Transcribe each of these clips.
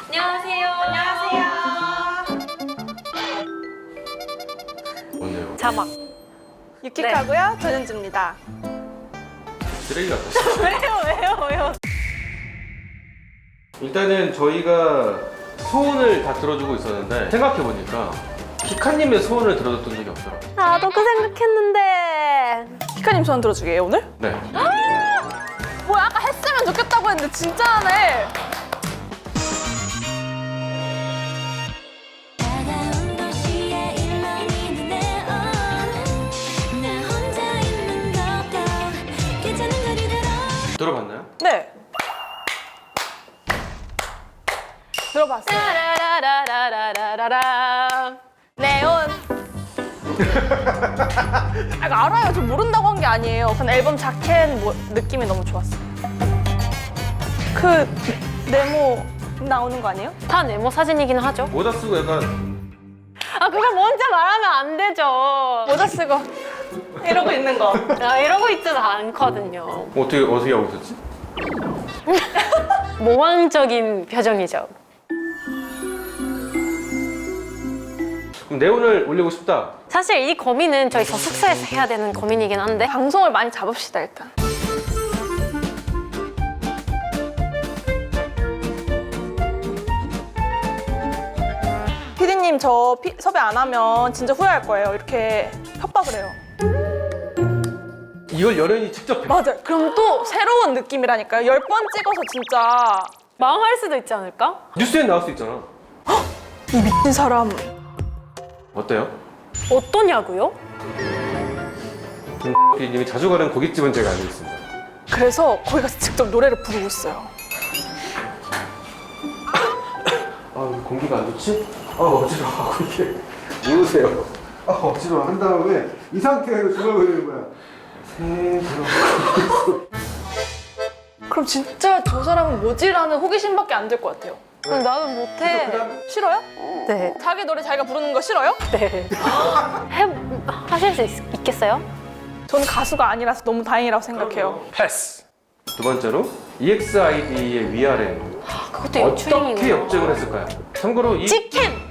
안녕하세요. 안녕하세요. 뭔데요? 자막. 유키카고요. 전현주입니다. 쓰레기 같았어. 왜요? 일단은 저희가 소원을 다 들어주고 있었는데 생각해보니까 키카님의 소원을 들어줬던 적이 없더라고요. 나도 그 생각했는데. 키카님 소원 들어주게요 오늘? 네. 뭐야 아까 했으면 좋겠다고 했는데 진짜 하네. 다가온 도시의 일렁이는 네온 나 혼자 있는 것도 괜찮은 거리대로 들어봤나요? 네. 들어봤어요. 라라라라라라라. 네온. 아, 이거 알아요. 저 모른다고 한 게 아니에요. 그냥 앨범 자켓 느낌이 너무 좋았어요. 그 네모 나오는 거 아니에요? 다 네모 사진이긴 하죠. 모자 쓰고 약간 아, 그걸 먼저 말하면 안 되죠. 모자 쓰고 이러고 있는 거. 이러고 있지도 않거든요. 어떻게 하고 있었지? 모왕적인 표정이죠. 그럼 네온을 올리고 싶다. 사실 이 고민은 저희 저 숙소에서 해야 되는 고민이긴 한데 방송을 많이 잡읍시다 일단. 피디님 저 섭외 안 하면 진짜 후회할 거예요. 이렇게 협박을 해요. 이걸 연예인이 직접 해. 맞아요. 그럼 또 새로운 느낌이라니까요. 10번 찍어서 진짜 망할 수도 있지 않을까? 뉴스에 나올 수 있잖아. 이 미친 사람. 어때요? 어떠냐고요? PD님이 자주 가는 고깃집은 제가 알고 있습니다. 그래서 거기 가서 직접 노래를 부르고 있어요. 아, 왜 공기가 안 좋지? 아, 어지러워. 이게 누우세요. 아, 어지러워. 한 다음에 이 상태로 중얼거리는 거야. 그럼 진짜 저 사람은 뭐지라는 호기심밖에 안 들 것 같아요. 나는 못해. 싫어요? 네. 자기 노래 자기가 부르는 거 싫어요? 네. 하실 수 있겠어요? 저는 가수가 아니라서 너무 다행이라고 생각해요. 패스. 두 번째로 EXID의 위아래 그것도 어떻게 연출이구나. 역적을 했을까요? 참고로 이 직캠!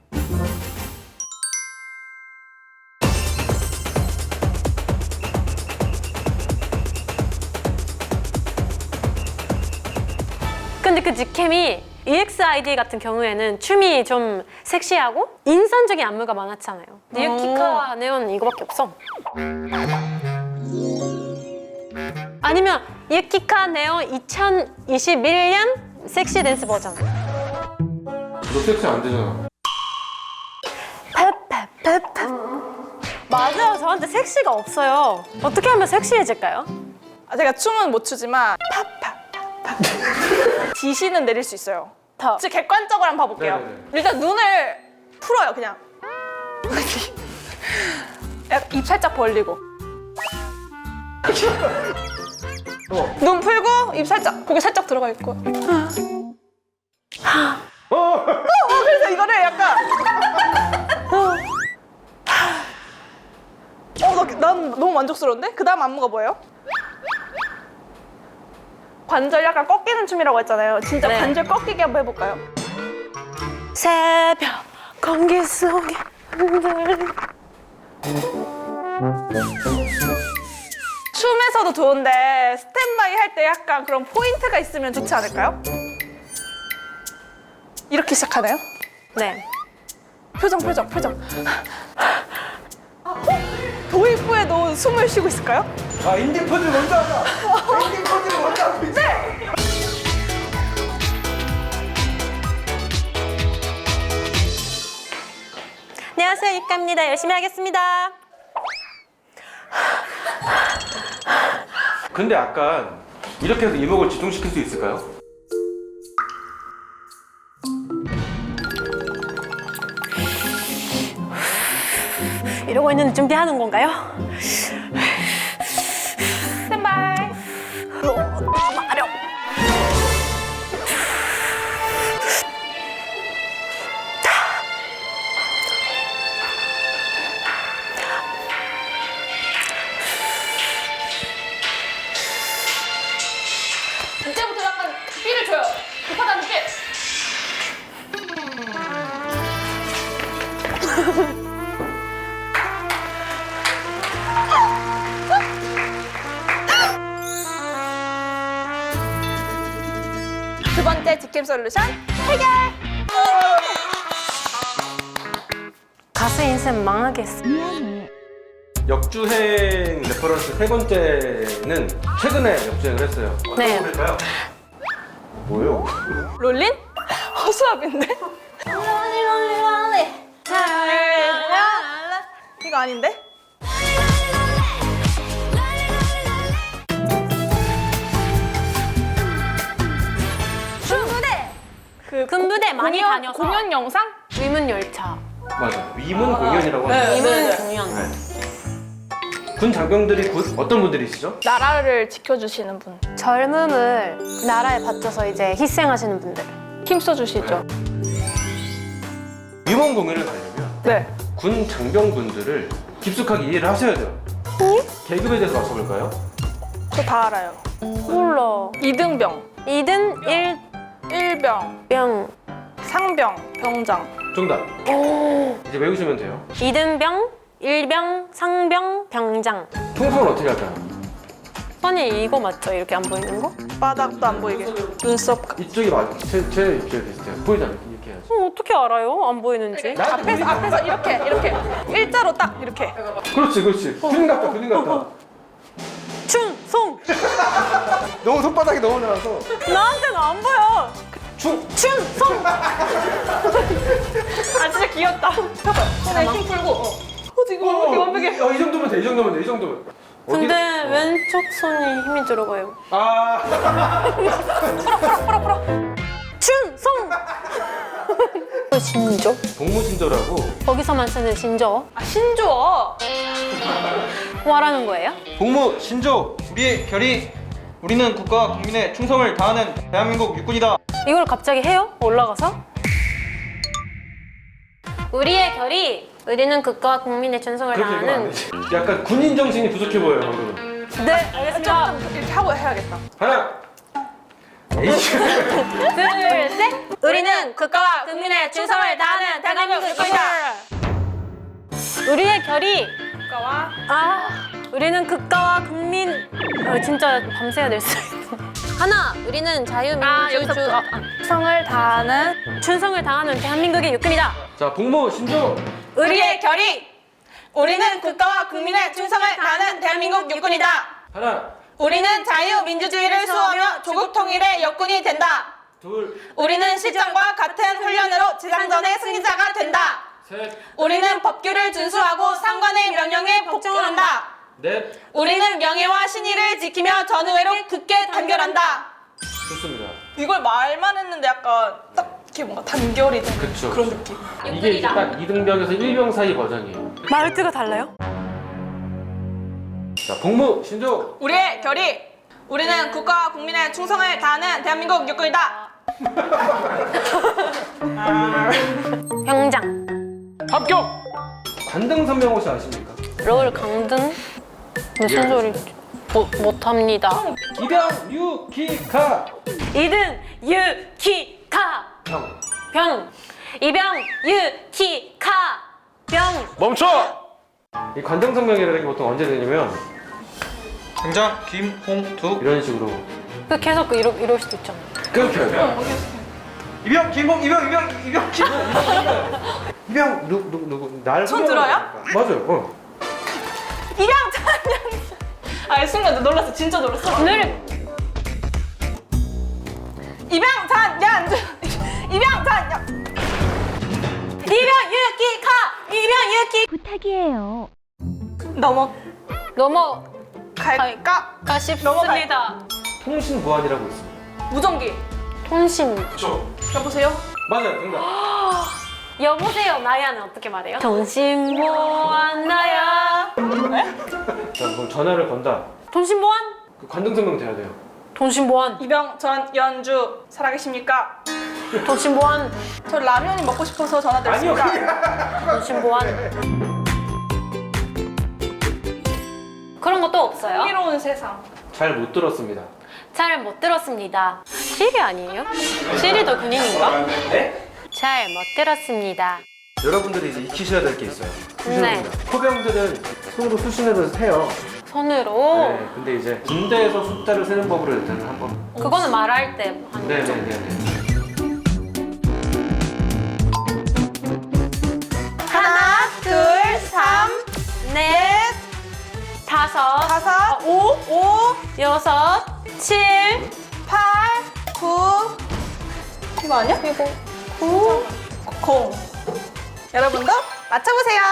근데 그 직캠이 EXID 같은 경우에는 춤이 좀 섹시하고 인상적인 안무가 많았잖아요. 뉴키카 네온 이거밖에 없어. 아니면 유키카 네온 2021년 섹시 댄스 버전. 너 섹시 안 되잖아. 페페페페. 맞아요. 저한테 섹시가 없어요. 어떻게 하면 섹시해질까요? 제가 춤은 못 추지만 팝팝팝팝 지시는 내릴 수 있어요. 더. 진짜 객관적으로 한번 봐볼게요. 네네네. 일단 눈을 풀어요 그냥. 약간 입 살짝 벌리고 눈 풀고 입 살짝 고개 살짝 들어가 있고 그래서 이거를 약간 난 너무 만족스러운데? 그 다음 안무가 뭐예요? 관절 약간 꺾이는 춤이라고 했잖아요. 진짜 네. 관절 꺾이게 한번 해볼까요? 새벽 공기 속에 흔들린 춤에서도 좋은데 스탠바이 할 때 약간 그런 포인트가 있으면 좋지 않을까요? 이렇게 시작하나요? 네. 표정. 도입 후에도 숨을 쉬고 있을까요? 아, 인디 포즈 먼저 하자. 인디 포즈 먼저 하자. 네! 안녕하세요. 유카입니다. 열심히 하겠습니다. 근데 약간 이렇게 해서 이목을 집중시킬 수 있을까요? 이러고 있는데 준비하는 건가요? 스탠바이. 마려. 이때부터 약간 삐를 줘요. 급하다는 삐. 핵심 솔루션 해결! 가수 인생 망하겠어. 역주행 레퍼런스 세 번째는 최근에 역주행을 했어요. 어떤 네. 곡일까요? 뭐요? 롤린? 허수아비인데? 이거 아닌데? 군부대! 그 군부대 많이 다녀서 공연 영상? 위문 열차. 맞아. 위문 공연이라고 네. 합니다. 위문 공연. 군 장병들이 어떤 분들이시죠? 나라를 지켜주시는 분. 젊음을 나라에 바쳐서 이제 희생하시는 분들. 힘써주시죠. 위문 공연을 가려면 네. 군 장병분들을 깊숙하게 이해를 하셔야 돼요. 계급에 대해서 맞춰볼까요? 저 다 알아요. 몰라. 이등병, 2등 일병, 1병. 상병, 병장. 정답. 이제 외우시면 돼요. 2등병, 1병, 상병, 병장. 총성은 어떻게 할까요? 선이 이거 맞죠? 이렇게 안 보이는 거? 바닥도 안 보이게. 눈썹. 이쪽이 맞아. 제 입술에 비슷해요. 보이잖아요. 이렇게 해야지. 어떻게 알아요? 안 보이는지. 앞에서 이렇게 일자로 딱 이렇게. 그렇지, 그렇지. 군인 같다, 군인 같다. 충성! 너무 손바닥이 너무 나와서. 나한테는 안 보여. 충성! 아 진짜 귀엽다. 손에 힘 풀고. 지금 이렇게 완벽해. 이 정도면 돼, 이 정도면 돼, 이 정도면. 근데 어디를- 왼쪽 손이 힘이 들어가요. 아. 충성! 신조? 복무신조라고 거기서만 쓰는 신조. 아 신조어. 뭐라는 거예요? 복무신조 우리의 결의 우리는 국가와 국민의 충성을 다하는 대한민국 육군이다. 이걸 갑자기 해요? 올라가서? 우리의 결의, 우리는 국가와 국민의 충성을 그렇게 읽으면 안 다하는. 되지. 약간 군인 정신이 부족해 보여요, 방금. 네, 알겠습니다. 좀 이렇게 하고 해야겠다. 하나. 에이씨. 둘, 셋. 우리는 국가와 국민의 충성을 다하는 대한민국 육군이다. 우리의 결의. 국가와 우리는 국가와 국민. 진짜 밤새야 될 수 있어. 하나, 우리는 자유민주주 충성을 다하는 충성을 다하는 대한민국의 육군이다. 자, 복무신조. 우리의 결의. 우리는 국가와 국민의 충성을 다하는 대한민국 육군이다. 하나, 우리는 자유민주주의를 수호하며 조국 통일의 역군이 된다. 둘, 우리는 실전과 같은 훈련으로 지상전의 승리자가 된다. 셋, 우리는 법규를 준수하고 상관의 명령에 복종한다. 넷. 우리는 명예와 신의를 지키며 전우회로 굳게 단결한다. 좋습니다. 이걸 말만 했는데 약간 딱 이렇게 뭔가 단결이 되는 그쵸. 그런 느낌. 이게 이제 딱 2등병에서 1병 사이 버전이에요. 말투가 달라요? 자, 복무신조. 우리의 결의. 우리는 국가와 국민의 충성을 다하는 대한민국 육군이다. 병장. 합격! 관등선명 혹시 아십니까? 롤 강등? 무슨 소리지? 못합니다. 기병 유키카 2등 유키카 병. 병. 2병 유키카 병. 멈춰! 이 관등선명이라는 게 보통 언제 되냐면 당장 김홍두 이런 식으로 계속 이럴 수도 있잖아. 끊겨요. 이병 김홍 이병 김홍 이병 누구 날 손 후려하는 들어요? 거니까. 맞아요. 입양 찬양. 아 순간 놀랐어. 진짜 놀랐어. 늘 입양 찬양. 입양 찬양. 2병 유키카 2병 유키 부탁이에요. 넘어갈까? 가십니다. 통신 보안이라고 있습니다. 무전기. 통신. 그렇죠. 여보세요? 맞아요, 정답. 여보세요 나야는 어떻게 말해요? 통신보안 나야. 자, 그럼 전화를 건다. 통신보안? 그 관등선명 돼야 돼요. 통신보안. 이병 전 연주 살아계십니까? 통신보안. 저 라면이 먹고 싶어서 아니요, 전화드렸습니다. 통신보안. 그런 것도 없어요? 흥미로운 세상. 잘 못 들었습니다. 잘 못 들었습니다. 시리 아니에요? 시리도 군인인가? 네? 잘 못 들었습니다. 여러분들이 이제 익히셔야 될 게 있어요. 네. 수신호입니다. 포병들은 손으로 수신호를 세요. 손으로. 네, 근데 이제 군대에서 숫자를 세는 법으로 일단은 한번. 그거는 말할 때 하는 거죠. 네네네. 5, 6, 7, 8, 9. 이거 아니야? 이거 9, 0. 여러분도 맞춰보세요.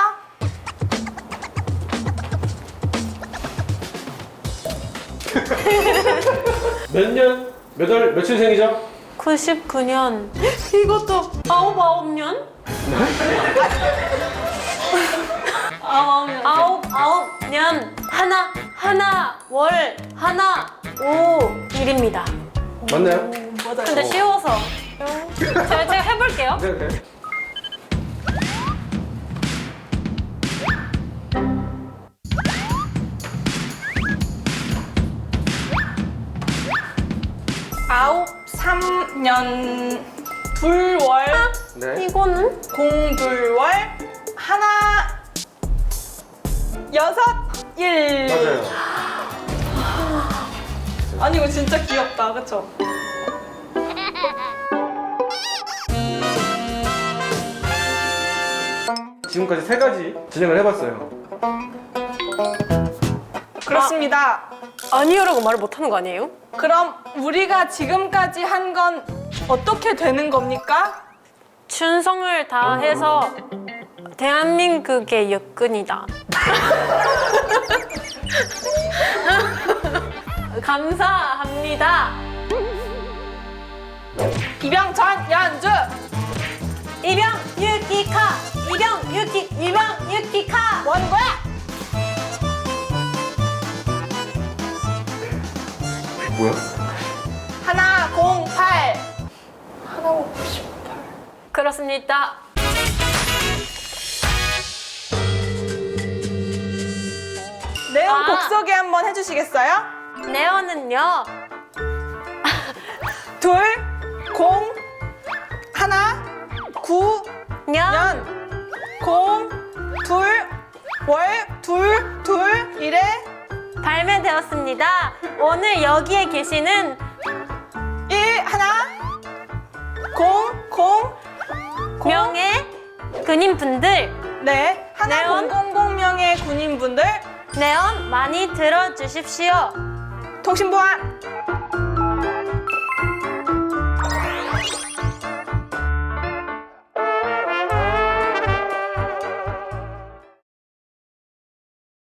몇 년? 몇 월, 며칠생이죠? 99년. 이것도 9년? 아홉 년 하나 월 하나 오 일입니다. 맞나요? 근데 쉬워서 제가 해볼게요. 네, 네. 아홉 3년 둘월 네. 이거는 공둘월 하나 여섯 일. 맞아요. 아니 이거 진짜 귀엽다, 그쵸? 지금까지 3가지 진행을 해봤어요. 그렇습니다. 아니요라고 말을 못하는 거 아니에요? 그럼 우리가 지금까지 한 건 어떻게 되는 겁니까? 충성을 다해서 대한민국의 여건이다. 감사합니다. 이병전 연주. 이병 유키카 이병 유키카 뭐 하는 거야? 뭐야? 하나 08. 하나 58. 그렇습니다. 내용 아. 곡 소개 한번 해주시겠어요? 네오는요 둘, 공, 하나, 구, 년 년, 공, 둘, 월, 둘, 둘, 이래. 발매되었습니다. 오늘 여기에 계시는 1, 하나, 공, 명예 군인분들 네, 하나 네온. 000명의 군인분들, 네온 많이 들어주십시오. 통신보안